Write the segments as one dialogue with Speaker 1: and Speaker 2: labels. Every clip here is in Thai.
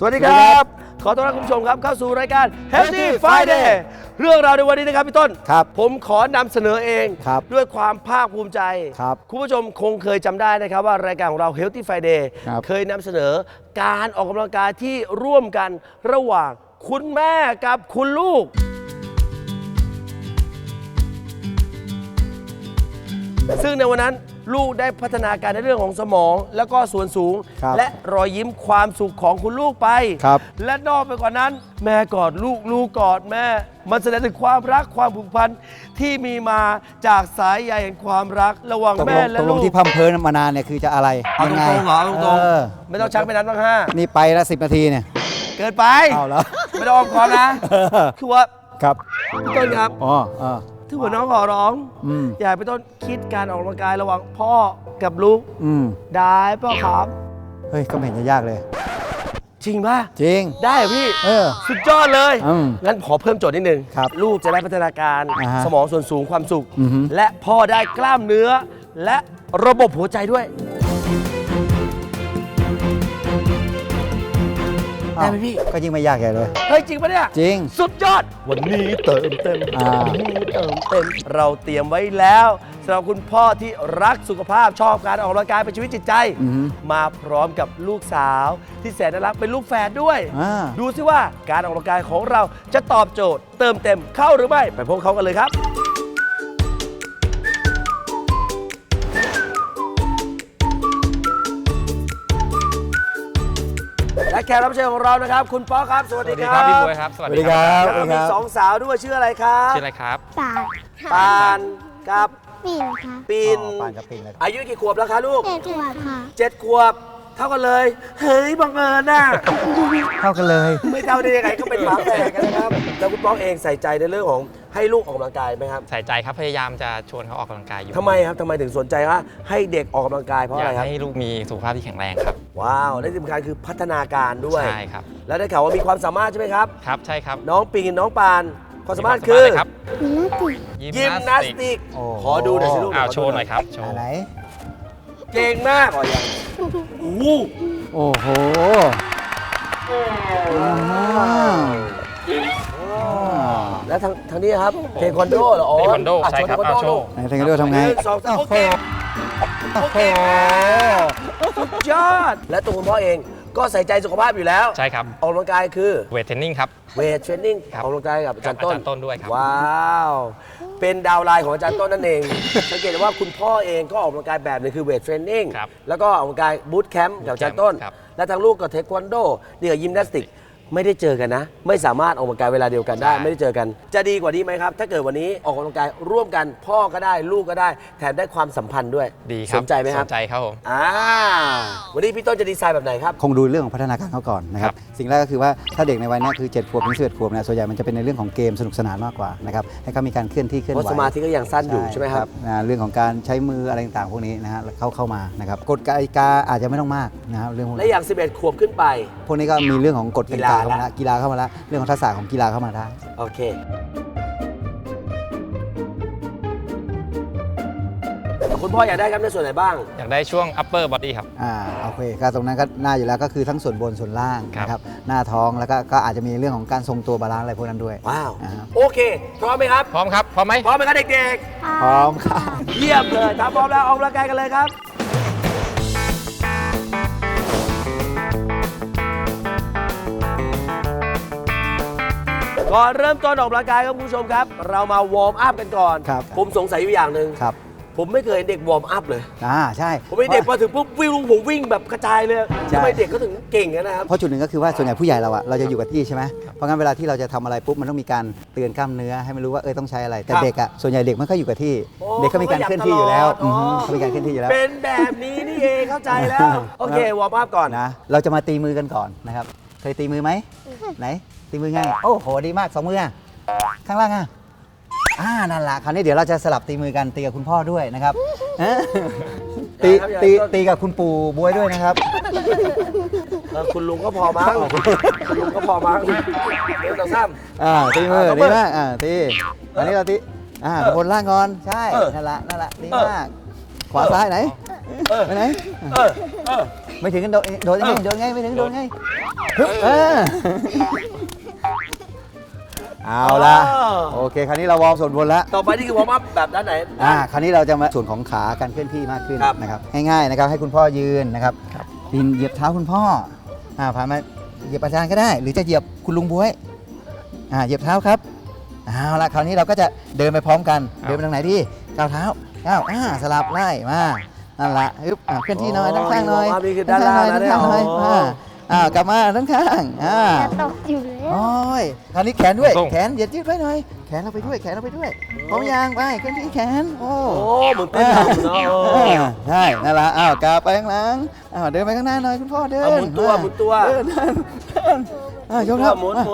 Speaker 1: วัสดีครับขอต้อนรับคุณผู้ชมครับเข้าสู่รายการ Healthy Friday เรื่องราวในวันนี้นะครับพี่ต้น
Speaker 2: ครับ
Speaker 1: ผมขอนำเสนอเอง
Speaker 2: ครับ
Speaker 1: ด้วยความภาคภูมิใจ
Speaker 2: ครับ
Speaker 1: คุณผู้ชมคงเคยจำได้นะครับว่ารายการของเรา Healthy Friday
Speaker 2: ครับ
Speaker 1: เคยนำเสนอการออกกำลังกายที่ร่วมกันระหว่างคุณแม่กับคุณลูก ซึ่งในวันนั้นลูกได้พัฒนาการในเรื่องของสมองแล้วก็ส่วนสูง
Speaker 2: ครับ
Speaker 1: และรอยยิ้มความสุขของคุณลูกไป
Speaker 2: ครับ
Speaker 1: และนอกไปกว่านั้น แม่กอดลูกลูกกอดแม่ มันแสดงถึงความรักความผูกพันที่มีมาจากสายใยแห่งความรักระหว่าง
Speaker 2: ตก
Speaker 1: แม่
Speaker 2: ลง
Speaker 1: และ
Speaker 2: ตกล
Speaker 1: ลู
Speaker 2: ง
Speaker 1: ก
Speaker 2: ที่พัมเพลินมานานเนี่ยคือจะอะไร
Speaker 1: เอาต
Speaker 2: ยัไง
Speaker 1: รงๆเหรอเอาตรง
Speaker 2: เออ
Speaker 1: ๆไม่ต้องชักไปนั้นบ้างห้า
Speaker 2: นี่ไปละ10 นาทีเนี่ย
Speaker 1: เกินไป
Speaker 2: เอาแล้ว
Speaker 1: ไม่ต้องอ้อมค้อมนะ คือว่า
Speaker 2: ครับ
Speaker 1: พี่ต้นครับ
Speaker 2: อ๋ออ๋อ
Speaker 1: ที่หัวน้องขอร้อง
Speaker 2: อืม
Speaker 1: อยากให้พี่ต้นคิดการออกกำลังกายระหว่างพ่อกับลูก
Speaker 2: อืม
Speaker 1: ได้ป่ะครับ
Speaker 2: เฮ้ยก็ไม่เห็นจะยากเลย
Speaker 1: จริงป่ะ
Speaker 2: จริง
Speaker 1: ได้เหรอพี่
Speaker 2: เออ
Speaker 1: สุดยอดเลย
Speaker 2: อืม
Speaker 1: งั้นขอเพิ่มโจทย์นิดนึง
Speaker 2: ครับ
Speaker 1: ลูกจะได้พัฒนาการ
Speaker 2: อ่าฮะ
Speaker 1: สมองส่วนสูงความสุข
Speaker 2: อือฮึ
Speaker 1: และพ่อได้กล้ามเนื้อ และระบบหัวใจด้วย ได้ไหมพี่
Speaker 2: ก็ยิ่งไม่ยากใหญ่เลย
Speaker 1: เฮ้ย จริงปะเนี่ย
Speaker 2: จริง
Speaker 1: สุดยอด วันนี้เติมเต็ม
Speaker 2: อ่า
Speaker 1: วันนี้เติมเต็ม เราเตรียมไว้แล้วสำหรับคุณพ่อที่รักสุขภาพชอบการออกกำลังกายเป็นชีวิตจิตใจ
Speaker 2: อือฮึ
Speaker 1: มาพร้อมกับลูกสาวที่แสนน่ารักเป็นลูกแฝดด้วย
Speaker 2: อ่า
Speaker 1: ดูซิว่าการออกกำลังกายของเราจะตอบโจทย์ เติมเต็มเข้าหรือไม่ ไปพบเขากันเลยครับ และแขกรับเชิญของเรานะครับ คุณป๊อกครับ สวัส
Speaker 3: ส
Speaker 1: ดี
Speaker 3: วัสดี
Speaker 1: ค
Speaker 3: ค
Speaker 1: รั
Speaker 3: รั
Speaker 1: บบ
Speaker 3: พี่บ๊วยครับ สวัสดีค
Speaker 2: สวัสดีครั
Speaker 3: รับ
Speaker 1: แล้วก็มีสองสาวด้วยชื่ออะไรครับ
Speaker 3: ชื่ออะไรครับ
Speaker 4: ปาก
Speaker 1: ปานกับ
Speaker 4: ปิ่นค่ะ
Speaker 1: ปิน
Speaker 2: อ๋อปานกับปิ่นเลย
Speaker 1: อายุกี่ขวบแล้วคะลูก
Speaker 4: เจ็ดขวบค่ะ
Speaker 1: 7 ขวบ เท่ากันเลย เฮ้ยบังเอิญน่ะ
Speaker 2: เท่ากันเลย
Speaker 1: ไม่เท่าได้ยังไงก็เป็นฝาแฝดกันนะครับ แล้วคุณป๊อกเองใส่ใจในเรื่องของให้ลูกออกกำลังกายไหมครับ
Speaker 3: ใส่ใจครับพยายามจะชวนเขาออกกำลังกายอยู่
Speaker 1: ทำไมครับทำไมถึงสนใจว่าให้เด็กออกกำลังกายเพราะ
Speaker 3: อ
Speaker 1: อะ
Speaker 3: ยา
Speaker 1: ไร
Speaker 3: ก
Speaker 1: ครับ
Speaker 3: ให้ลูกมีสุขภาพที่แข็งแรงครับ
Speaker 1: ว้าวและที่สำคัญคือพัฒนาการด้วย
Speaker 3: ใช่ครับ
Speaker 1: แล้วได้ข่าวว่ามีความสามารถใช่ไหมครับ
Speaker 3: ครับใช่ครับ
Speaker 1: น้องปิงน้องปานความสามารถ
Speaker 3: ว
Speaker 1: คือ
Speaker 3: เลยครับ
Speaker 4: มีหน้าติด
Speaker 1: ยิมนาสติก
Speaker 2: โอ้
Speaker 1: ขอดูหน่อยสิลูก
Speaker 3: อ้าวโชว์หน่อยครับโช
Speaker 2: อ่า
Speaker 3: ว์
Speaker 2: ไหน
Speaker 1: เก่งมากอ๋อยังโอ้โห
Speaker 2: โอ้โหอ่า
Speaker 1: แล้วทางนี้ครับเทควันโดเหรออ๋อ
Speaker 3: เทควันโด
Speaker 1: อ่ะ
Speaker 3: ใช่ครับ
Speaker 1: เทควัน
Speaker 3: อ้าว
Speaker 1: โด
Speaker 3: โชว์
Speaker 2: ไหนเทควันโดทำไง
Speaker 1: หนึ่งสองสามโอเค
Speaker 2: โอ้โห
Speaker 1: สุดยอด และตัวคุณพ่อเองก็ใส่ใจสุขภาพอยู่แล้ว
Speaker 3: ใช่ครับ
Speaker 1: ออกกำลังกายคือ
Speaker 3: เวทเทรนนิ่งครับ
Speaker 1: เวทเทรนนิ่ง
Speaker 3: ครับ
Speaker 1: ออกกำลังกายกับอาจารย์
Speaker 3: กับ
Speaker 1: ต้น
Speaker 3: อาจารย์ต้นด้วยครับ
Speaker 1: ว้าว เป็นดาวไลน์ของอาจารย์ต้นนั่นเอง สังเกตได้ว่าคุณพ่อเองก็ออกกำลังกายแบบหนึงคือเวทเทรนนิ่ง
Speaker 3: ครับ
Speaker 1: แล้วก็ออกกำลังกายบูตแคมป์กับอาจารย์ต้น
Speaker 3: ครับ
Speaker 1: และทางลูกก็เทควันโดนี่กับยิมนาสติก ไม่ได้เจอกันนะ ไม่สามารถออกกำลังกายเวลาเดียวกันได้
Speaker 3: ใช่
Speaker 1: ไม่ได้เจอกัน จะดีกว่านี้ไหมครับ ถ้าเกิดวันนี้ออกกำลังกายร่วมกันพ่อก็ได้ลูกก็ได้ แถมได้ความสัมพันธ์ด้วย
Speaker 3: ดีครับ
Speaker 1: สนใจไหมครับ
Speaker 3: สนใจครับผม
Speaker 1: วันนี้พี่ต้นจะดีไซน์แบบไหนครับ
Speaker 2: คงดูเรื่องของพัฒนาการเขาก่อนนะครับ สิ่งแรกก็คือว่าถ้าเด็กในวัยเนี้ยคือ7 ขวบถึง11 ขวบเนี่ยส่วนใหญ่มันจะเป็นในเรื่องของเกมสนุกสนานมากกว่านะครับให้เขามีการเคลื่อนที่เคลื่อน
Speaker 1: เพ
Speaker 2: ไหว
Speaker 1: ราะสมาธิก็ยังสั้นอยู่ใช่ไหมครับ
Speaker 2: เรื่องของการใช้มืออะไรต่างๆพวกนี้นะฮะเข้ามานะครับกฎกติกาอาจจะไม่ต้องมากนะครับเรื่องพวก
Speaker 1: และ
Speaker 2: นี้
Speaker 1: อย่าง 11 ขวบขึ้นไป
Speaker 2: พวกนี้ก็มีเรื่องของกฎกติกา
Speaker 1: กีฬา
Speaker 2: เข้ามาแล้วกีฬาเข้ามาแล้วเรื่องของทักษะของกีฬาเข้ามาได้
Speaker 1: โอเค คุณพ่ออยากได้ครับในส่วนไหนบ้าง
Speaker 3: อยากได้ช่วง upper body ครับ
Speaker 2: โอเคก็ตรงนั้นก็น่าอยู่แล้วก็คือทั้งส่วนบนส่วนล่าง
Speaker 3: ครับ
Speaker 2: นะครับหน้าท้องแล้วก็อาจจะมีเรื่องของการทรงตัวบาลานซ์อะไรพวกนั้นด้วย
Speaker 1: ว้าว
Speaker 2: อ่า
Speaker 1: โอเค พร้อมไหมครับ
Speaker 3: พร้อมครับ พร้อมไหม
Speaker 1: พร้อมไหมครับเด็ก
Speaker 2: พร้อมค่ะ
Speaker 1: ๆ เยี่ยมเลยถ้าพร้อมแล้วออกกำลังกายกันเลยครับ ก่อนเริ่มต้นออกกำลังกายครับคุณผู้ชมครับ เรามาวอร์มอัพกันก่อน
Speaker 2: ครับ
Speaker 1: ผมสงสัยอยู่อย่างหนึ่ง
Speaker 2: ครับ
Speaker 1: ผมไม่เคยเห็นเด็กวอร์มอัพเลย
Speaker 2: ใช่
Speaker 1: ผมเป็นเด็กมาถึงปุ๊บวิ่งผมวิ่งแบบกระจายเลย
Speaker 2: ใช่
Speaker 1: ทำไมเด็กเขาถึงเก่งกันนะครับ
Speaker 2: เพราะจุดหนึ่งก็คือว่าส่วนใหญ่ผู้ใหญ่เราจะอยู่กับที่ใช่ไหมเพราะงั้นเวลาที่เราจะทำอะไรปุ๊บมันต้องมีการเตือนกล้ามเนื้อให้มันรู้ว่าต้องใช้อะไรแต่
Speaker 1: ครับ
Speaker 2: เด็กอ่ะส่วนใหญ่เด็กไม่ค่อยอยู่กับที่
Speaker 1: โอ้
Speaker 2: เด็กเขามีการเคลื่อนที่อยู่แล้ว
Speaker 1: เขาขยับตลอด
Speaker 2: เขามีการเคลื่อนที่อยู่แล้ว
Speaker 1: เป็นแบบนี้นี่เองเข้าใจแล้ว โอเควอร์มอัพก่อน
Speaker 2: นะเราจะมาตีมือกันก่อนนะครับเคยตีมือไหมไหนตีมือไงโอ้โหดีมากสองมืออะข้างล่างอ่ะนั่นแหละคราวนี้เดี๋ยวเราจะสลับตีมือกันตีกับคุณพ่อด้วยนะครับตี
Speaker 1: อย่า
Speaker 2: ตี
Speaker 1: ครับ
Speaker 2: ตีกับคุณปู่บวยด้วยนะครับ
Speaker 1: คุณลุงก็พอมั้งคุณลุงก็พอมั้งเดี๋ยวต่อซ้ำ
Speaker 2: ตีมือ
Speaker 1: เอา
Speaker 2: ดี
Speaker 1: มือ
Speaker 2: มากตีอันนี้เราตีบนล่างก่อนใช่
Speaker 1: เออ
Speaker 2: นั่นแหละดีมากขวาซ้ายไหนไปไหน
Speaker 1: เออ
Speaker 2: ไม่ถึงกันโดดยังไงโดดไงไม่ถึงโดดไงฮึบเอาละโอเคคราวนี้เราวอร์มส่วนบนแล้ว
Speaker 1: ต่อไปนี่คือวอร์มอัพแบบด้านไหน
Speaker 2: คราวนี้เราจะมาส่วนของขาการเคลื่อนที่มากขึ้น
Speaker 1: ครับ
Speaker 2: นะครับง่ายๆนะครับให้คุณพ่อยืนนะครับปีนเหยียบเท้าคุณพ่อผ่านมาเหยียบอาจารย์ก็ได้ หรือจะเหยียบคุณลุงบ๊วยเหยียบเท้าครับเอาละคราวนี้เราก็จะเดินไปพร้อมกันเดินไปทางไหนดีก้าวเท้าก้าวสลับไล่มานั่นละฮึบเคลื่อนที่หน่อยด้านข้างหน่อย
Speaker 1: นี่คือด้านล่างนะ
Speaker 2: ด้าน
Speaker 1: เนี่ย
Speaker 2: ข้างหน่อยกลับมาด้านข้าง
Speaker 4: จะตกอยู่แล้ว
Speaker 2: โอ้ยคราวนี้แขนด้วย
Speaker 3: ส่ง
Speaker 2: แขนเหยียดยืดไว้หน่อยแขนเราไปด้วยแขนเราไปด้วยพร้อมยางไปเคลื่อนที่แขนโอ้
Speaker 1: โอ้เหมือนเต้นรำเนาะ
Speaker 2: ใช่นั่นละกลับไปข้างหลังเดินไปข้างหน้าหน่อยคุณพ่อเดิน
Speaker 1: หมุนตัวหมุนตัว
Speaker 2: เดินยกเท้า
Speaker 1: หมุน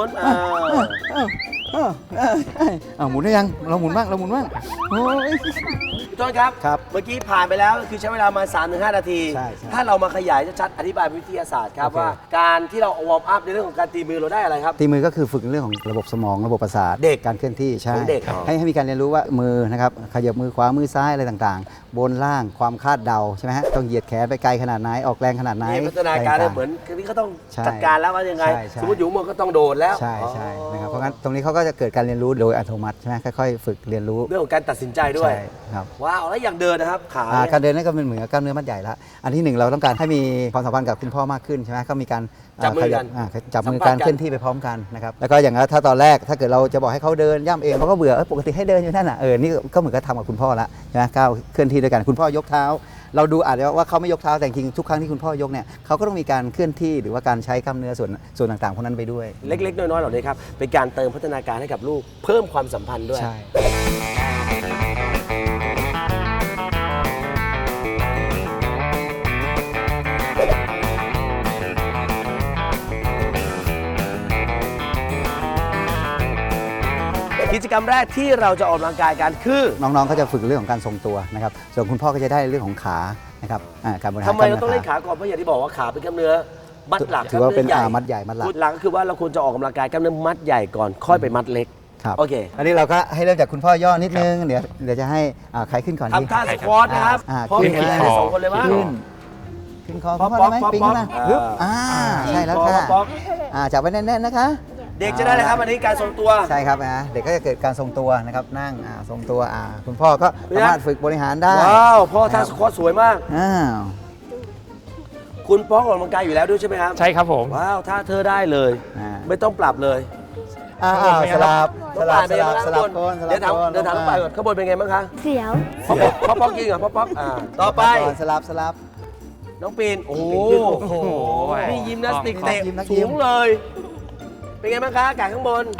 Speaker 2: หมุนได้ยังเราหมุนบ้างโอ้ย
Speaker 1: พี่ต้นครับ
Speaker 2: ครับ
Speaker 1: เมื่อกี้ผ่านไปแล้วคือใช้เวลามา 3-5 นาที
Speaker 2: ใช่
Speaker 1: ถ้าเรามาขยายชัดๆอธิบายวิทยาศาสตร์ครับ
Speaker 2: โอเค
Speaker 1: ว่าการที่เราวอร์มอัพในเรื่องของการตีมือเราได้อะไรครับ
Speaker 2: ตีมือก็คือฝึกเรื่องของระบบสมองระบบประสาท
Speaker 1: เด็ก
Speaker 2: การเคลื่อนที่ใช่
Speaker 1: ของเด็ก
Speaker 2: ให้มีการเรียนรู้ว่ามือนะครับขยับมือขวามือซ้ายอะไรต่างๆ บนล่างความคาดเดาใช่ไหมฮะต้องเหยียดแขนไปไกลขนาดไหนออกแรงขนาดไหน
Speaker 1: นี่พัฒนาการ
Speaker 2: ะไต่งๆ
Speaker 1: เหมือนคือนี่เขาต้อง
Speaker 2: ใช่
Speaker 1: จัดการแล้วว่ายังไง
Speaker 2: ใช่ใช่
Speaker 1: สมมติอยู่มือก็ต้องโดดแล้ว
Speaker 2: ใช่นะครับเพราะงั้นตรงนี้เขาก็จะเกิดการเรียนรู้โดยอัตโนมัติใช่ไหมค่อยๆ ฝึกเรียนรู้
Speaker 1: เรื่องของการตัดสินใจด้วย
Speaker 2: ใช่ครับ
Speaker 1: ว้าวแล้วอย่างเดินนะครับขา
Speaker 2: การเดินนั่นก็เป็นเหมือนกับกล้ามเนื้อมัดใหญ่ละอันที่หนึ่งเราต้องการให้มีความสัมพันธ์กับคุณพ่อมากขึ้นใช่ไหมก็มีการ
Speaker 1: จับมือกัน
Speaker 2: จับมือ
Speaker 1: สัมพั
Speaker 2: การ
Speaker 1: นธ์กัน
Speaker 2: เคลื่อนที่ไปพร้อมกันนะครับแล้วก็อย่างนั้นถ้าตอนแรกถ้าเกิดเราจะบอกให้เขาเดินย่ำเองเขาก็เบื่อปกติให้เดินอยู่นั่นน่ะนี่ก็เหมือนกับทำกับคุณพ่อละใช่ไหมก้าวเคลื่อนที่ด้วยกันคุณพ่อยกเท้า เราดูอาจจะว่าเขาไม่ยกเท้าแต่จริงๆทุกครั้งที่คุณพ่อยกเนี่ยเขาก็ต้องมีการเคลื่อนที่หรือว่าการใช้กล้ามเนื้อส่วนต่างๆพวกนั้นไปด้วย
Speaker 1: เล็กๆน้อยๆเหล่านี้ครับเป็นการเติมพัฒนาการให้กับลูกเพิ่มความสัมพันธ์ด้วย
Speaker 2: ใช่
Speaker 1: กิจกรรมแรกที่เราจะออกกำลังกายกันคือ
Speaker 2: น้องๆก็จะฝึกเรื่องของการทรงตัวนะครับส่วนคุณพ่อก็จะได้เรื่องของขานะครับการบริหาร
Speaker 1: ทำไมเราต้องเล่น
Speaker 2: กล้
Speaker 1: ขาก่อนเพราะอย่างที่บอกว่าขาเป็นกล้ามเนื้อมัดหลัก
Speaker 2: ถือว่าเป็น
Speaker 1: กล้ม
Speaker 2: มัดใหญ่มัดหลัก
Speaker 1: หลักก็คือว่าเราควรจะออกกำลังกายกล้ามเนื้อมัดใหญ่ก่อนค่อยไปมัดเล็ก
Speaker 2: ครับ
Speaker 1: โอเค
Speaker 2: อันนี้เราก็ให้เริ่มจากคุณพ่อย่อนิดนึงเดี๋ยวจะให้ใครขึ้นก่อนดี
Speaker 1: ทำท่าสควอตนะครับ พ่อ
Speaker 2: ขึ้
Speaker 1: มี
Speaker 2: น
Speaker 1: ใคร
Speaker 2: ขึ้น
Speaker 1: สองคนเลยมั้ง
Speaker 2: ขึ้นคอ
Speaker 1: ป๊
Speaker 2: คุ
Speaker 1: อ
Speaker 2: ณ
Speaker 1: ป
Speaker 2: พ่อได้ไหม
Speaker 1: ป๊อป
Speaker 2: ปีนขึ้นมา
Speaker 1: ป๊อป
Speaker 2: ฮึบ
Speaker 1: อ่า
Speaker 2: ใช่แล้ว
Speaker 1: ป๊อป
Speaker 2: ค่ะ
Speaker 1: ป๊อป
Speaker 2: จับไว้แน่นๆนะคะ
Speaker 1: เด็กจะได้เลยครับอันนี้การทรงตัว
Speaker 2: ใช่ครับเด็กก็จะเกิดการทรงตัวนะครับนั่งทรงตัวคุณพ่อก็สามารถฝึกบริหารได้
Speaker 1: ว้าวพ่อท่าสควอตสวยมาก
Speaker 2: อ้าว
Speaker 1: คุณพ่อออกกำลังกายอยู่แล้วด้วยใช่ไหมครับ
Speaker 3: ใช่ครับผม
Speaker 1: ว้าวท่าเธอได้เลย
Speaker 2: อ่า
Speaker 1: ไม่ต้องปรับเลย
Speaker 2: สลับ
Speaker 1: น้องปานเป็นไงบ้าง
Speaker 2: สลับ
Speaker 1: ข้างบ
Speaker 2: โคน
Speaker 1: น
Speaker 2: สลั
Speaker 1: เดี๋ย
Speaker 2: บ
Speaker 1: วถาม
Speaker 2: โคน
Speaker 1: เดี๋ยวถามน้องปานก่อนข้างบนเป็นไงบ้างคะ
Speaker 4: เสียว
Speaker 1: พ่อป๊อกจริงเหรอพ่อป๊อกต่อไป
Speaker 2: สลับ
Speaker 1: น้องปีนโอ้โห
Speaker 3: โอ้โห
Speaker 1: นี่ยิมนาสติก
Speaker 2: ครับ
Speaker 1: เตะ
Speaker 2: ยิมนักยิ
Speaker 1: สู
Speaker 2: ม
Speaker 1: งเลย เป็นไงบ้างคะอากาศข้างบน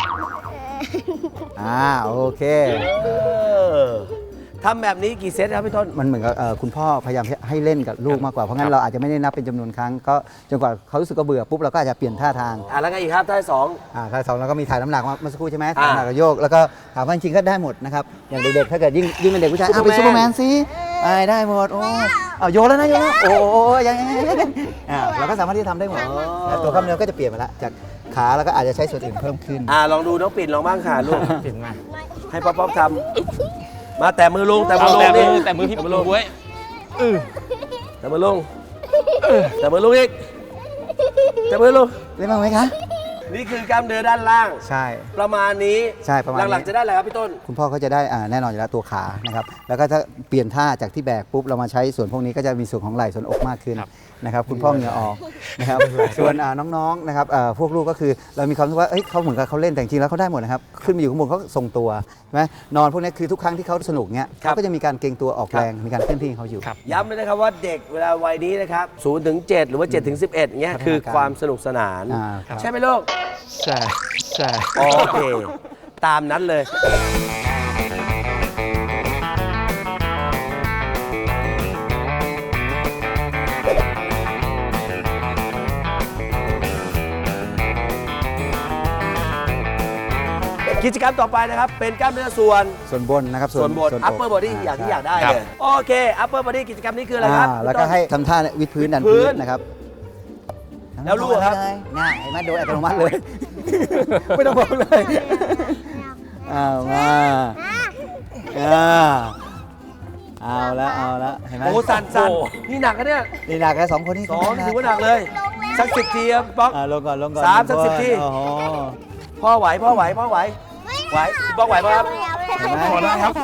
Speaker 2: โอเค
Speaker 1: ทำแบบนี้กี่เซตครับพี่ต้น
Speaker 2: มันเหมือนกับคุณพ่อพยายามให้เล่นกับลูกมากกว่าเพราะงั้นเราอาจจะไม่ได้นับเป็นจำนวนครั้งก็จนกว่าเขารู้สึกก็เบื่อปุ๊บเราก็อาจจะเปลี่ยนท่าทาง
Speaker 1: แล้วไงอีกครับท่าที่สอง
Speaker 2: ท่าสองเราก็มีถ่ายน้ำหนักเมื่อสักครู่ใช่ไหมถ่ายน้ำหนักกับโยกแล้วก็ถามว่าจริงๆก็ได้หมดนะครับอย่างเด็กๆถ้าเกิดยิ่งเป็นเด็กผู้ชายเป็นซูเปอร์แมนสิได้หมดโอ้โยนแล้วนะโยนแล้วโอ้ยังเราก็สามารถที่จะทำได้หมดแต่ตัวกล้ามเนื้อก็จะเปลี่ยนไปละจากขาแล้วก็อาจจะใช้ส่วนอื่นเพิ่มขึ้น
Speaker 1: ลองดูน้องปิ่นลองบ้างค่ะลูก
Speaker 3: ปิ่นมา
Speaker 1: ให้ป๊อปทำมาแต่มือลงแต่มือลง
Speaker 3: แต่มื
Speaker 1: นี่
Speaker 3: อแต่มือพี่ลุงบ๊วย
Speaker 1: แต่มือลงแต่มือลงอีกแต่มือลง
Speaker 2: เล่นบ้างไหมคะ
Speaker 1: นี่คือกล้ามเนื้อด้านล่าง
Speaker 2: ใช่
Speaker 1: ประมาณนี้
Speaker 2: ใช่ประมาณนี้
Speaker 1: หลังๆจะได้อะไรครับพี่ต้น
Speaker 2: คุณพ่อก็จะได้แน่นอนอยู่แล้วตัวขานะครับแล้วก็ถ้าเปลี่ยนท่าจากที่แบกปุ๊บเรามาใช้ส่วนพวกนี้ก็จะมีส่วนของไหล่ส่วนอกมากขึ้นนะครับคุณพ่อเหงื่อออกนะครับส่วนน้องๆนะครับพวกลูกก็คือเรามีความรู้สึกว่าเขาเหมือนกับเขาเล่นแต่จริงๆแล้วเขาได้หมดนะครับขึ้นมาอยู่ข้างบนเขาทรงตัวใช่ไหมนอนพวกนี้คือทุกครั้งที่เขาสนุกเนี้ย
Speaker 1: ครับ
Speaker 2: เขาก็จะมีการเกรงตัวออกแรงมีการเคลื่อนที่ของเขาอยู่
Speaker 3: ครับ
Speaker 1: ย้ำเลยนะครับว่าเด็กเวลาวัยนี้นะครับ0 ถึง 7 หรือว่า7 ถึง 11เงี้ย
Speaker 2: พัฒนาการ
Speaker 1: คือความสนุกสนาน
Speaker 2: ครับ
Speaker 1: ใช่ไหมลูก
Speaker 3: ใช่ใช่
Speaker 1: โอเค ตามนั้นเลย กิจกรรมต่อไปนะครับ เป็นกล้ามเนื้อส่วน
Speaker 2: ส่วนบนนะครับ
Speaker 1: ส่วนบน
Speaker 2: อก
Speaker 1: upper body อย่างที่อยากได้
Speaker 3: ครับ
Speaker 1: เลย โอเค upper body กิจกรรมนี้คืออะไรครับ
Speaker 2: แล้วก็ให้ทำท่าวิดพื้นดัน
Speaker 1: วิดพื้
Speaker 2: พื้
Speaker 1: น
Speaker 2: นนะครับ
Speaker 1: แล้วลูกครับ
Speaker 2: ง่ายเห็นไหมโดยอัตโนมัติเลย ไม่ต้องบอกเลยมาเอาละละเอาละเห็นไหม
Speaker 1: โอ้สั่นนี่หนักนะเนี่ย
Speaker 2: นี่หนักแค่2 คนนี่
Speaker 1: สองถือว่าหนักเลย สัก10 ทีครับป๊อก
Speaker 2: ลงก่อนลงก่อน
Speaker 1: สามสัก10 ที
Speaker 2: โอ้โห
Speaker 1: พ่อไหวไหวป๊อกไหวปะครับ
Speaker 2: เห็นไหม
Speaker 3: พอได้ครับ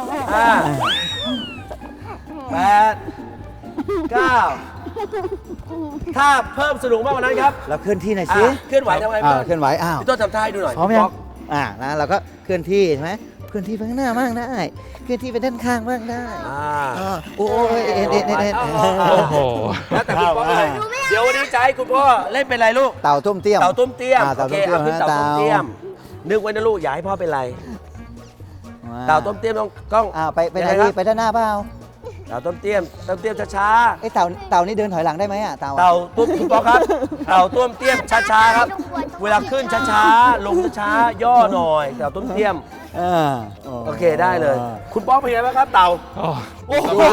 Speaker 1: 5 8 9 ถ้าเพิ่มสนุกมากกว่านั้นครับ
Speaker 2: เราเคลื่อนที่หน่อยสิ
Speaker 1: เคลื่อนไหวทำไง
Speaker 2: เคลื่อนไหวอ้าว
Speaker 1: พี่ต้นทำท่าให้ดูหน่อย
Speaker 2: พร้อมยัง
Speaker 1: ป๊อก
Speaker 2: นะเราก็เคลื่อนที่ใช่ไหมเคลื่อนที่ไปข้างหน้าบ้างได้เคลื่อนที่ไปด้านข้างบ้างได้โอ้ยเอ็น
Speaker 3: โอ้โห
Speaker 1: แล้วแต่คุณพ่อเลยเดี๋ยววันนี้จะให้คุณพ่อเล่นเป็นอะไรลูก
Speaker 2: เต่าต้มเตี้ยม
Speaker 1: เต่าต้มเตี้ยม
Speaker 2: เต่า
Speaker 1: โอ
Speaker 2: ต้
Speaker 1: เค
Speaker 2: มเตี้ยม
Speaker 1: เอาขึ้นเต่าต้มเตี้ยม นึกไว้นะลูกอย่าให้พ่อเป็นไร เต่าต้มเตี้ยมต้อง
Speaker 2: ไปไหนดีไปด้านหน้าเปล่า
Speaker 1: เต่าต้มเตี้ยมช้า
Speaker 2: ไอ้เต่านี่เดินถอยหลังได้ไหมอ่ะเต่า
Speaker 1: ๆเต่าตุ้มคุณพ่อครับ เต่าต้มเตี้ยมช้าๆครับ เวลาขึ้นช้าๆลงช้าๆย่อหน่อยเต่าต้มเตี้ยมโอเคได้เลย คุณป๊อกเป็นไงบ้างครับเต่า
Speaker 3: โอ้
Speaker 1: โอ้โห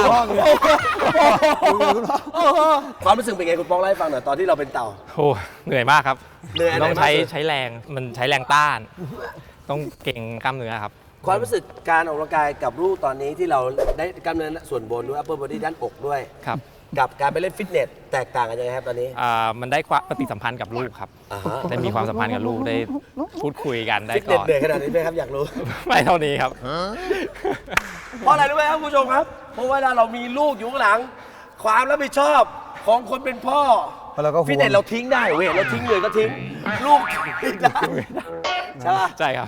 Speaker 1: ความรู้สึกเป็นไงคุณป๊อกเล่าให้ฟังหน่อยตอนที่เราเป็นเต่า
Speaker 3: โหเหนื่อยมากครับ
Speaker 1: เหนื่อยอะไร
Speaker 3: ต้อง
Speaker 1: มากสุด
Speaker 3: ใช้แรงมันใช้แรงต้าน ต้องเก่งกล้ามเนื้อครับ
Speaker 1: ความรู้สึกการออกกำลังกายกับลูกตอนนี้ที่เราได้กล้ามเนื้อส่วนบนด้วย upper body ด้านอกด้วย
Speaker 3: ครับ
Speaker 1: กับการไปเล่นฟิตเนสแตกต่างกันยังไงครับตอนนี้
Speaker 3: มันได้ความปฏิสัมพันธ์กับลูกครับ
Speaker 1: อ่าฮะ
Speaker 3: ได้มีความสัมพันธ์กับลูกได้พูดคุยกันได้
Speaker 1: ฟิตเน
Speaker 3: ก่
Speaker 1: ส
Speaker 3: อน
Speaker 1: เหนื่อยขนาดนี้ไหมครับอยากรู้
Speaker 3: ไม่เท่านี้ครับ
Speaker 1: เพราะอะไรรู้ไหมครับคุณผู้ชมครับ เพราะเวลาเรามีลูกอยู่ข้างหลัง ความรับผิดชอบของคนเป็นพ่อ
Speaker 2: เพราะเราก็ห่วง
Speaker 1: ฟิตเนสเราทิ้งได้เว้ยเราทิ้งเลยก็ทิ้ง ลูกทิ้งได้ใช่ปะ
Speaker 3: ใช่ครับ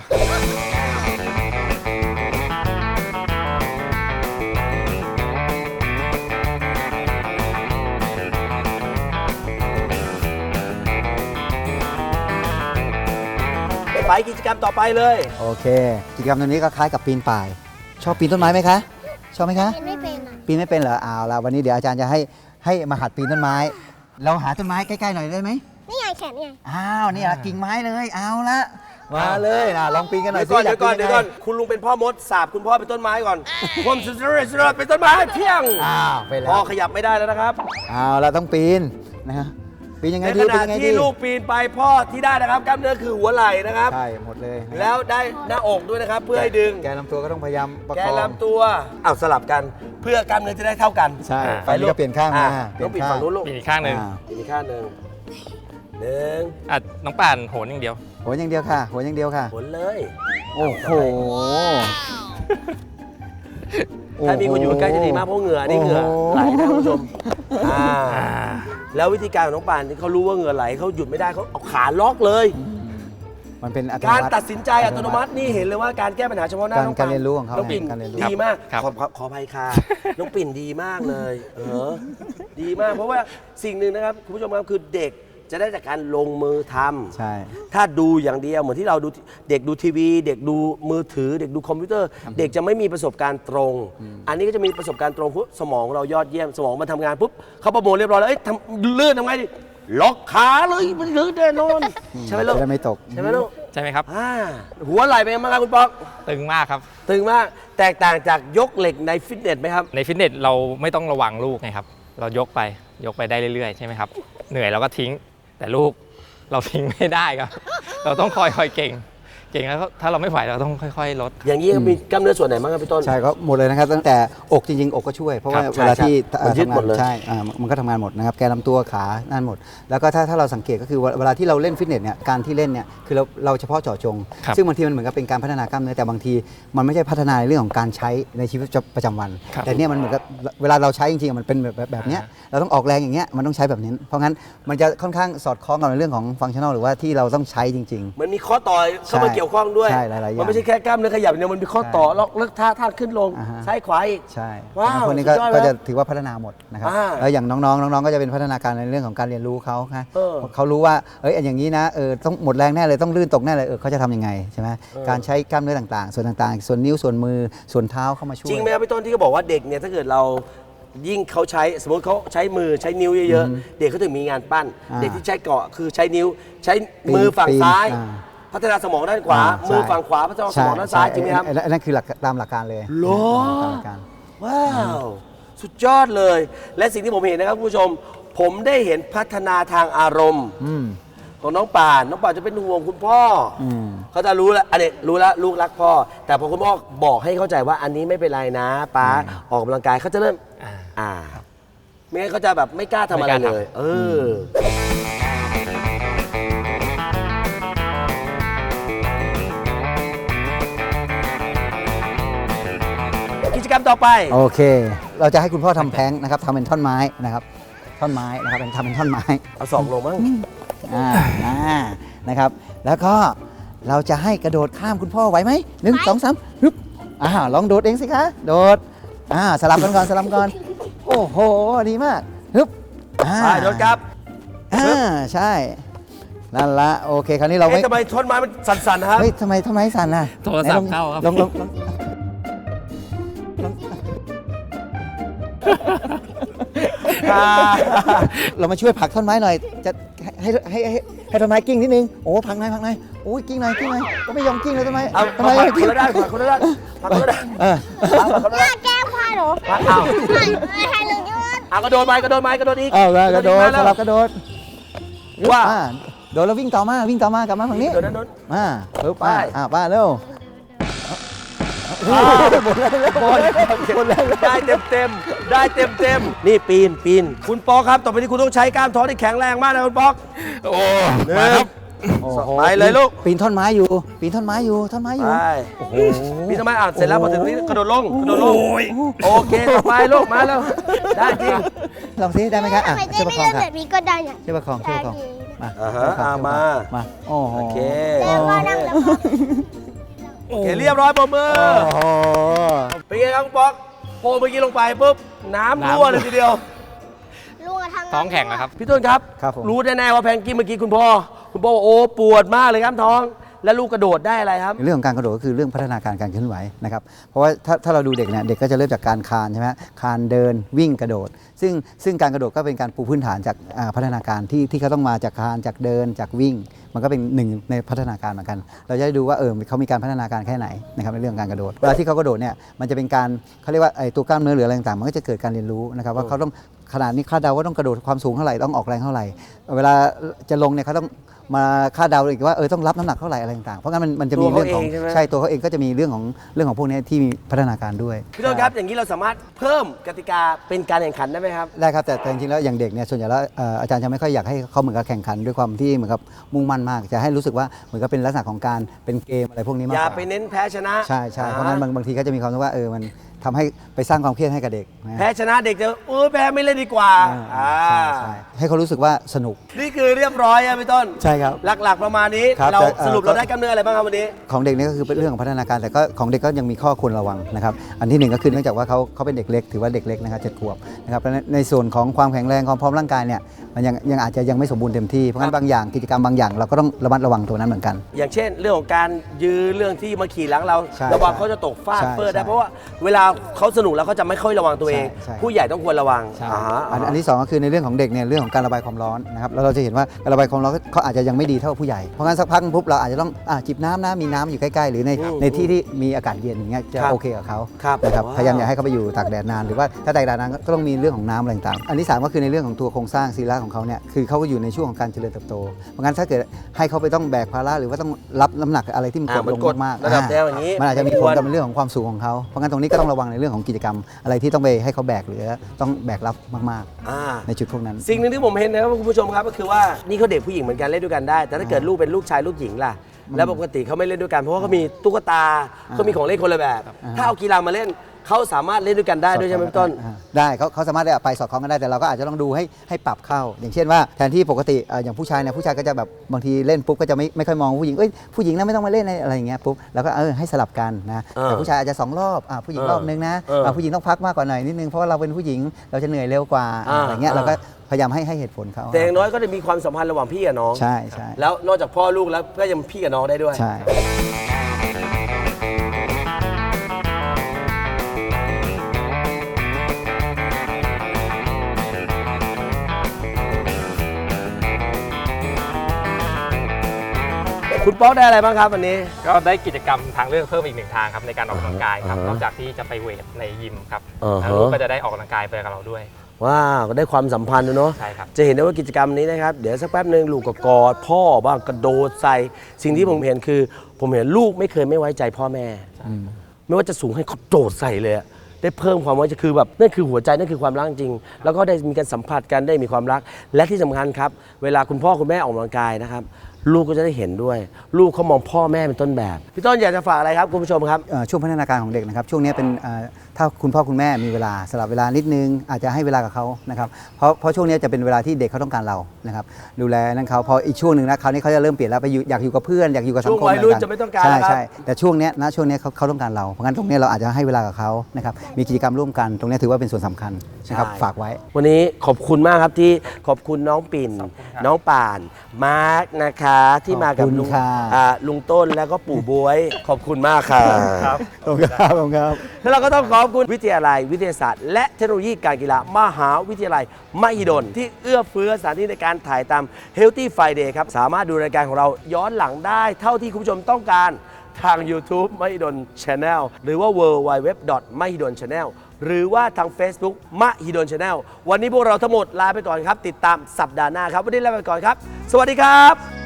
Speaker 1: ไปกิจกรรมต่อไปเลย
Speaker 2: โอเค กิจกรรมตรงนี้ก็คล้ายกับปีนป่าย ชอบปีนต้นไม้ไหมคะ ชอบไหมคะ
Speaker 4: เป็นไม่เป็นอ่ะ
Speaker 2: ปีนไม่เป็นเหรอเอาละวันนี้เดี๋ยวอาจารย์จะให้มาหัดปีนต้นไม้ เราหาต้นไม้ใกล้ๆหน่อยได้ไหม
Speaker 4: นี่ไงแขนนี่ไง
Speaker 2: อ้าวนี่ละกิ่งไม้เลยเอาละมาเลยนะลองปีนกันหน่อย
Speaker 1: เดี๋ยวก่อน
Speaker 2: สิ
Speaker 1: เดี๋ยวก่อน
Speaker 2: า
Speaker 1: เดี๋ยว
Speaker 2: ปี
Speaker 1: ก่อน
Speaker 2: งไง
Speaker 1: คุณลุงเป็นพ่อมดสาบคุณพ่อเป็นต้นไม้ก่อนความสุดยอดเป็นต้นไม้เพียง
Speaker 2: อ้าวไปแล้
Speaker 1: พ่อ
Speaker 2: ว
Speaker 1: ขยับไม่ได้แล้วนะครับ
Speaker 2: เอาละต้องปีนนะฮะปีนยังไง
Speaker 1: ใน
Speaker 2: ดี
Speaker 1: ข
Speaker 2: ปีน
Speaker 1: ณะ
Speaker 2: ยังไง
Speaker 1: ที่
Speaker 2: ดี
Speaker 1: ลูกปีนไปพ่อที่ได้นะครับกล้ามเนื้อคือหัวไหล่นะครับ
Speaker 2: ใช่หมดเลยนะครับ
Speaker 1: แล้วได้หน้าอกด้วยนะครับ เพื่อให้ดึง
Speaker 2: แกนลำตัวก็ต้องพยายามประ
Speaker 1: แก
Speaker 2: คอง
Speaker 1: นลำตัวอ้าวสลับกันเพื่อกล้ามเนื้อจะได้เท่ากัน
Speaker 2: ใช่
Speaker 3: อ่า
Speaker 2: ไฟนี้ก็เปลี่ยนข้างมา
Speaker 1: ต้องปิดฝั่งนู้นลูก
Speaker 3: มีอีกข้างหนึ่ง
Speaker 1: อีกข้างหนึ่งหนึ่ง
Speaker 3: น้องป่านโหนอย่างเดียว
Speaker 2: หัวอย่างเดียวค่ะ หัวอย่างเดียวค่ะ
Speaker 1: ผลเลย
Speaker 2: โอ้โห
Speaker 1: ถ้ามีคนอยู่ใกล้จะดีมากเพราะเหงื่อนี่เหงื่อไหลนะคุณผู้ชมแล้ววิธีการของน้องป่านที่เขารู้ว่าเหงื่อไหลเขาหยุดไม่ได้เขาเอาขาล็อกเลย
Speaker 2: มันเป็นอัตโน
Speaker 1: การ
Speaker 2: มัติ
Speaker 1: ตัดสินใจอัตโนมัตินี่เห็นเลยว่าการแก้ปัญหาเฉพาะหน้าน้อง
Speaker 2: การเรียนรู้ของเขา
Speaker 1: น้องปิ่น
Speaker 2: การเรียนรู้
Speaker 1: ดีมาก
Speaker 3: ครับ
Speaker 1: ขออภัยค่ะ น้องปิ่นดีมากเลย ดีมากเพราะว่าสิ่งหนึ่งนะครับคุณผู้ชมครับคือเด็กจะได้จากการลงมือทำ
Speaker 2: ใช่
Speaker 1: ถ้าดูอย่างเดียวเหมือนที่เราดูเด็กดูทีวี เด็กดูมือถือ เด็กดูคอมพิวเตอร์ เด็กจะไม่มีประสบการณ์ตรง อันนี้ก็จะมีประสบการณ์ตรงปุ๊บสมองเรายอดเยี่ยมสมองมันทำงานปุ๊บเขาประมวลเรียบร้อยแล้วเอ้ยทำลื่นทำไงดิล็อกขาเลยมันลื่นแน่นอนใช่ไหมลูก
Speaker 2: จะได้ไม่ตก
Speaker 1: ใช่ไหมลูก
Speaker 3: ใช่ไหมครับ
Speaker 1: หัวไหล่เป็นยังไงบ้างครับคุณป๊อก
Speaker 3: ตึงมากครับ
Speaker 1: ตึงมากแตกต่างจากยกเหล็กในฟิตเนสไหมครับ
Speaker 3: ในฟิตเนสเราไม่ต้องระวังลูกไงครับ เรายกไปได้เรื่อยๆใช่ไหมครับ เหนื่อยเราก็ทิ้ง แต่ลูกเราทิ้งไม่ได้ครับ เราต้องคอยเก่งแล้วถ้าเราไม่ไหวเราต้องค่อยๆลด
Speaker 1: อย่างนี้มีกล้ามเนื้อส่วนไหนบ้างครับพี่ต้น
Speaker 2: ใช่ก็หมดเลยนะครับ ตั้งแต่อกจริงๆ อกก็ช่วย เพราะว่า
Speaker 1: ครับ
Speaker 2: เวลาที่
Speaker 1: ใช่มันยึดหมดเลย
Speaker 2: ใช่มันก็ทำงานหมดนะครับแกนลำตัวขานั่นหมด แล้วก็ถ้าเราสังเกตก็คือเวลาที่เราเล่นฟิตเนสเนี่ยการที่เล่นเนี่ยคือเราเฉพาะเจาะจง
Speaker 3: ครับ
Speaker 2: ซึ่งบางทีมันเหมือนกับเป็นการพัฒนากล้ามเนื้อแต่บางทีมันไม่ใช่พัฒนาในเรื่องของการใช้ในชีวิตประจำวัน
Speaker 3: ครับ
Speaker 2: แต่เนี่ยมันเหมือนกับเวลาเราใช้จริงๆมันเป็นแบบเนี้ยเราต้องออกแรงอย่างเงี้ยมันต้องใช้แบบนี้เพราะงั้นมันจะค่อนข้างสอดคล้องกับในเรื่องของฟังชั่นอลหรือว่าที่เราต้องใช้จริง ๆ
Speaker 1: มันมีข้อต่อเข้ามาเกี่ยวข้องด้วย
Speaker 2: ใช่หลายๆอย่าง
Speaker 1: มันไม่ใช่แค่กล้ามเนื้อขยับอย่างเดียวมันมีข้อต่อแล้วเลิกท่าขึ้นลง
Speaker 2: อ่าฮะ
Speaker 1: ซ้ายขวาอีก
Speaker 2: ใช่
Speaker 1: ว้าว
Speaker 2: พวกนี้
Speaker 1: สุดยอด
Speaker 2: ก็
Speaker 1: แล้ว
Speaker 2: จะถือว่าพัฒนาหมดนะครับ แล้วอย่างน้องๆก็จะเป็นพัฒนาการในเรื่องของการเรียนรู้เขาฮะ
Speaker 1: เออ
Speaker 2: เขารู้ว่าอย่างนี้นะต้องหมดแรงแน่เลยต้องลื่นตกแน่เลยเขาจะทำยังไงใช่ไหมการใช้กล้ามเนื้อต่างๆ ส่วนต่างๆ ส่วนนิ้วส่วนมือส่วนเท้าเข้ามาช่วย
Speaker 1: จริงไหมครับพี่ต้นที่เขาบอกว่าเด็กเนี่ยถ้าเกิดเรายิ่งเขาใช้สมมติเขาใช้มือใช้นิ้วเยอะๆเด็กเขาถึงมีงานปั้น
Speaker 2: อ่า
Speaker 1: เด็กที่ใช้เกาะคือใช้นิ้วใช้มือฝั่ง
Speaker 2: ปีน
Speaker 1: ซ้าย
Speaker 2: อ่า
Speaker 1: พัฒนาสมองด้านขวา
Speaker 2: ใช่
Speaker 1: มือฝั่งขวาพัฒนาสมองด้านซ้ายจริงไหมครับ
Speaker 2: อันนั้นคือหลักตามหลักการเลย
Speaker 1: เหรอ
Speaker 2: ตามหลักการ
Speaker 1: ว้าว สุดยอดเลย และสิ่งที่ผมเห็นนะครับคุณผู้ชม ผมได้เห็นพัฒนาทางอารมณ์
Speaker 2: อืม
Speaker 1: ของน้องป่านจะเป็นห่วงคุณพ่ออเขาจะรู้แล้วอันนี้รู้แล้วลูกรักพ่อ แต่พอคุณพ่อบอกให้เข้าใจว่าอันนี้ไม่เป็นไรนะป้าออกกำลังกายเขาจะเริ่มไม่งั้นเขาจะแบบไม่กล้าทำอะไรเลย กิจกรรมต่อไป
Speaker 2: โอเค เราจะให้คุณพ่อทำแพลงก์นะครับทำเป็นท่อนไม้นะครับ ท่อนไม้นะครับทำเป็นท่อนไม้
Speaker 1: เอาสองลงมั้ง
Speaker 2: นะครับ แล้วก็เราจะให้กระโดดข้ามคุณพ่อไหวไหม1 2 3ฮึบลองโดดเองสิคะ โดดสลับกันก่อนสลับก่อน โอ้โห ดีมากฮึบ
Speaker 1: โดดครับ
Speaker 2: ใช่ นั่นละโอเค คราวนี้เราไม่
Speaker 1: ทำไมท่อนไม้มันสั่นๆนะครับ
Speaker 2: เฮ้ยทำไมสั่นน่ะ
Speaker 3: โทรศัพท์เข้าครับ
Speaker 2: ลองเรามาช่วยผลักท่อนไม้หน่อย จะให้ท่อนไม้กิ้งนิดนึง โอ้ผลักหน่อยโอ้ยกิ้งหน่อยก็ไม่ยอมกิ้งเลยทำไม
Speaker 1: เอา
Speaker 2: ทำไม
Speaker 1: ผลักคนละด้านผลักคนละด้านผลักคนละด้านผลักคนละด้าน
Speaker 4: แก้ผ้าหนู
Speaker 1: ผลักเอา
Speaker 4: ไม่ให้หนูยืน
Speaker 1: กระโดดไปกระโดดอีก
Speaker 2: กระโดดสลับกระโดด
Speaker 1: ว่า
Speaker 2: โดดแล้ววิ่งต่อมากลับมาฝั่งนี้
Speaker 1: โดดนั้น
Speaker 2: มาปึ๊บ
Speaker 1: ไป
Speaker 2: ป้าเร็วหมดแล้ว
Speaker 1: ได้เต็มนี่ปีนคุณป๊อกครับต่อไปนี้คุณต้องใช้กล้ามท้องที่แข็งแรงมากนะคุณป๊อก
Speaker 3: โอ้มาครับ
Speaker 1: ไปเลยลูก
Speaker 2: ปีนท่อนไม้อยู่ท่อนไม้อยู่
Speaker 1: ไปโอ้โหปีนทำไมเสร็จแล้วพอถึงตรงนี้กระโดดลงโอเคต่อไปลูกมาแล้วได้จริง
Speaker 2: ลองซิได้ไหมครับ
Speaker 4: ทำไมเจ๊
Speaker 2: ช่วยประ
Speaker 4: ไม่
Speaker 2: คอง
Speaker 4: เลื่อน
Speaker 2: ค่ะ
Speaker 4: แบบนี้ก็ได้เนี่ย
Speaker 2: ช่วยประคอง มา
Speaker 1: มา
Speaker 2: โอ้โห
Speaker 1: โอเค
Speaker 4: เจ๊ว่านั่งแล้ว
Speaker 1: โอเคเรียบร้อยปรบมือ
Speaker 2: โอ้โห
Speaker 1: เป็นไงครับคุณป๊อกโผล่เมื่อกี้ลงไปปุ๊บน้ำรั่วเลยทีเดียว
Speaker 4: ลุงทาง
Speaker 3: ท้องแข็งนะครับ
Speaker 1: พี่ต้นครับ
Speaker 2: ครับผม
Speaker 1: รู้แน่ๆว่าแพงกี้เมื่อกี้คุณพ่อบอกว่าโอ้ปวดมากเลยครับท้อง แล้วลูกกระโดดได้อะไรครับ
Speaker 2: เรื่องของการกระโดดก็คือเรื่องพัฒนาการการเคลื่อนไหวนะครับ เพราะว่าถ้าเราดูเด็กเนี่ยเด็กก็จะเริ่มจากการคลานใช่ไหมคลานเดินวิ่งกระโดด ซึ่งการกระโดดก็เป็นการปูพื้นฐานจากพัฒนาการที่เขาต้องมาจากคลานจากเดินจากวิ่ง มันก็เป็นหนึ่งในพัฒนาการเหมือนกัน เราจะได้ดูว่าเขามีการพัฒนาการแค่ไหนนะครับในเรื่องการกระโดดเวลาที่เขากระโดดเนี่ยมันจะเป็นการเขาเรียกว่าไอ้ตัวกล้ามเนื้อหรืออะไรต่างๆมันก็จะเกิดการเรียนรู้นะครับว่าเขาต้องขนาดนี้คาดเดาว่าต้องกระโดดความสูงเท่าไหร่ต้องออกแรงเท่าไหร่ เวลาจะลงเนี่ยเขาต้องมาคาดเดาอีกว่าต้องรับน้ำหนักเท่าไหร่อะไรต่างๆเพราะงั้นมันจะมีเรื่องของตัวเขาเองก็จะมีเรื่องของพวกนี้ที่มีพัฒนาการด้วย
Speaker 1: พี่ต้นครับอย่างนี้เราสามารถเพิ่มกติกาเป็นการแข่งขันได้ไหมครับ
Speaker 2: ได้ครับแต่จริงๆแล้วอย่างเด็กเนี่ยส่วนใหญ่แล้วอาจารย์จะไม่ค่อยอยากให้เขาเหมือนกับแข่งขันด้วยความที่เหมือนกับมุ่งมั่นมากจะให้รู้สึกว่าเหมือนกับเป็นลักษณะของการเป็นเกมอะไรพวกนี้มาก
Speaker 1: อก ย่า
Speaker 2: ว่า
Speaker 1: ไปเน้นแพ้ชนะ
Speaker 2: ใช่เพราะงั้นบางทีก็จะมีความรู้สึกว่ามันทำให้ไปสร้างความเครียดให้กับเด็กนะ
Speaker 1: แพ้ชนะเด็กจะแพ้ไม่เล่นดีกว่า
Speaker 2: ใช่ให้เขารู้สึกว่าสนุก
Speaker 1: นี่คือเรียบร้อยอะพี่ต้น
Speaker 2: ใช่ครับ
Speaker 1: หลักๆประมาณนี้
Speaker 2: ครับ
Speaker 1: เรา
Speaker 2: แต่
Speaker 1: สรุปเราได้กล้ามเนื้ออะไรบ้างครับวันนี้
Speaker 2: ของเด็กนี่ก็คือเป็นเรื่องของพัฒนาการแต่ก็ของเด็กก็ยังมีข้อควรระวังนะครับอันที่หนึ่งก็คือเนื่องจากว่าเขาเป็นเด็กเล็กถือว่าเด็กเล็กนะครับ7 ขวบนะครับเพราะฉะนั้นในส่วนของความแข็งแรงความพร้อมร่างกายเนี่ยมันยังอาจจะยังไม่สมบูรณ์เต็มที่เพราะงั้นบางอย่างกิจกรรมบางอย่างเราก็ต้องระมัดระวังตัวนั้นเหมือนกัน
Speaker 1: อย่างเช่นเรื่องของการยื้อเรื่องที่มาขี่หลังเรา
Speaker 2: ใช่
Speaker 1: ระวังเขาจะตกฟาด
Speaker 2: ใช่
Speaker 1: เปิดได้
Speaker 2: ใช่
Speaker 1: เพราะว่าเวลาเขาสนุกแล้วเขาจะไม่ค่อยระวังตัวเอง
Speaker 2: ใช่
Speaker 1: ผู้ใหญ่ต้องควรระวัง
Speaker 2: ใช่
Speaker 1: ฮะ
Speaker 2: อันที่สองก็คือในเรื่องของเด็กเนี่ยเรื่องของการระบายความร้อนนะครับแล้วเราจะเห็นว่าการระบายความร้อนเขาอาจจะยังไม่ดีเท่าผู้ใหญ่เพราะงั้นสักพักปุ๊บเราอาจจะต้องจิบน้ำนะมีน้ำอยู่ใกล้ๆหรือในที่ที่มีอากาศเย็นอย่างเงี้ยจะ
Speaker 1: ครับ
Speaker 2: โอเคกับเขา
Speaker 1: ครับ
Speaker 2: นะครับ
Speaker 1: ว้าว
Speaker 2: พยายามอย่าให้เขาไปอยู่ตากแดดนานหรือว่าถ้าตากแดดนานก็ต้องมีเรื่องของน้ำอะไรต่างๆอันที่สามก็คือในเรื่องของตัวโครงสร้างศีรษะของเขาเนี่ยคือเขาก็อยู่ในช่วงของการเจริญเติบโตเพราะงั้นถ้าเกิดให้เขาไปต้องแบกภาระหรือว่าต้องรับน้ำหนักอะไรที่มันกดลงมากๆ
Speaker 1: ระดับแนวอย่างนี้
Speaker 2: มันอาจจะมีผลกับเรื่องของความสูงของเขาเพราะงั้นตรงนี้ก็ต้องระวังในเรื่องของกิจกรรมอะไรที่ต้องไปให้เขาแบกหรือต้องแบกรับมาก
Speaker 1: อ่า
Speaker 2: ๆ ในจุดพวกนั้น
Speaker 1: สิ่งหนึ่งที่ผมเห็นนะครับคุณผู้ชมครับก็คือว่านี่เขาเด็กผู้หญิงเหมือนกันเล่นด้วยกันได้ แต่ถ้าเกิดลูกเป็นลูกชายลูกหญิงล่ะแล้วปกติเขาไม่เล่นด้วยกันเพราะว่าเขามีตุ๊กตาเขามีของเล่นคนละแบบ ถ้าเอากีฬามาเล่นเขาสามารถเล่นด้วยกันได้ด้วยใช่ไหมพี่ต้น
Speaker 2: ได้เขาสามารถไปสอดคล้องกันได้แต่เราก็อาจจะต้องดูให้ปรับเข้า อย่างเช่นว่าแทนที่ปกติอย่างผู้ชายเนี่ยผู้ชายก็จะแบบบางทีเล่นปุ๊บก็จะไม่ค่อยมองผู้หญิงผู้หญิงนะไม่ต้องมาเล่นอะไรอย่างเงี้ยปุ๊บแล้วก็ให้สลับกันนะแต่ผู้ชายอาจจะ2 รอบผู้หญิงรอบนึงนะผู้หญิงต้องพักมากกว่าหน่อยนิดนึงเพราะว่าเราเป็นผู้หญิงเราจะเหนื่อยเร็วกว่าอะไรเงี้ยเราก็พยายามให้เหตุผลเขา
Speaker 1: แต่อย่างน้อยก็จะมีความสัมพันธ์ระหว่างพี่กับน้อง
Speaker 2: ใช่
Speaker 1: แล้วนอกจากพ่อลูกแล้วก็ยังพี่กับน้องได้ด้วย
Speaker 2: ใช่
Speaker 1: คุณป๊อกได้อะไรบ้างครับวันนี้
Speaker 3: ก็ได้กิจกรรมทางเลือกเพิ่มอีกหนึ่งทางครับในการออกกำลังกายครับนอกจากที่จะไปเวทในยิมครับแล้วลูกก็จะได้ออกกำลังกายไปกับเราด้วย
Speaker 1: ว้าวก็ได้ความสัมพันธ์นะเนาะ
Speaker 3: ใช่ครับ
Speaker 1: จะเห็นได้ว่ากิจกรรมนี้นะครับ เดี๋ยวสักแป๊บหนึ่งลูกก็กอดพ่อบ้างกระโดดใส่ สิ่งที่ผมเห็นคือ ผมเห็นลูกไม่เคยไม่ไว้ใจพ่อแม่ ไม่ว่าจะสูงให้เขาโดดใส่เลยอะได้เพิ่มความไว้ใจคือแบบนั่นคือหัวใจนั่นคือความรักจริง แล้วก็ได้มีการสัมผัสกันได้มีความรัก และที่สำคัญครับ เวลาคุณพ่อคุณแม่ออกกำลังกายนะครับ ลูกก็จะได้เห็นด้วย ลูกเขามองพ่อแม่เป็นต้นแบบพี่ต้นอยากจะฝากอะไรครับคุณผู้ชมครับ
Speaker 2: ช่วงพัฒนาการของเด็กนะครับช่วงนี้เป็นถ้าคุณพ่อคุณแม่มีเวลาสลับเวลานิดนึงอาจจะให้เวลากับเขานะครับเพราะช่วงนี้จะเป็นเวลาที่เด็กเขาต้องการเรานะครับดูแลนั่นเขาพออีกช่วงหนึ่งนะคราวนี้เขาจะเริ่มเปลี่ยนแล้วไปอยู่อยากอยู่กับเพื่อนอยากอยู่กับสังคม
Speaker 1: ช่วงวัยรุ่น
Speaker 2: ต่างๆ
Speaker 1: จะไม่ต้องการ
Speaker 2: ใช่
Speaker 1: แล้วครับ
Speaker 2: ใช่แต่ช่วงเนี้ยเขาต้องการเราเพราะงั้นตรงนี้เราอาจจะให้เวลากับเขานะครับมีกิจกรรมร่วมกันตรงนี้ถือว่าเป็นส่วนสำคัญนะครับฝากไว้
Speaker 1: วันนี้ขอบคุณมากครับที่ขอบคุณน้องปิ่น น้องป่าน มาร์กนะคะที่มากับ
Speaker 2: ขอบคุณ
Speaker 1: ลุง
Speaker 2: ค่ะ
Speaker 1: ลุงต้นแล้วก็ปู่บวย ขอบคุณมากค่ะ
Speaker 3: ครับ
Speaker 2: ขอบคุณครับขอบคุณครับ
Speaker 1: แล้วเราก็ต้องขอบคุณวิทยาลัยวิทยาศาสตร์ และเทคโนโลยีการกีฬามหาวิทยาลัยมหิดลที่เอื้อเฟื้อสถานที่ในการถ่ายทำ Healthy Friday ครับสามารถดูรายการของเราย้อนหลังได้เท่าที่คุณผู้ชมต้องการทาง YouTube มหิดล Channel หรือว่า www.mahidol.channel หรือว่าทาง Facebook มหิดล Channel วันนี้พวกเราทั้งหมดลาไปก่อนครับ ติดตามสัปดาห์หน้าครับ วันนี้ลาไปก่อนครับ สวัสดีครับ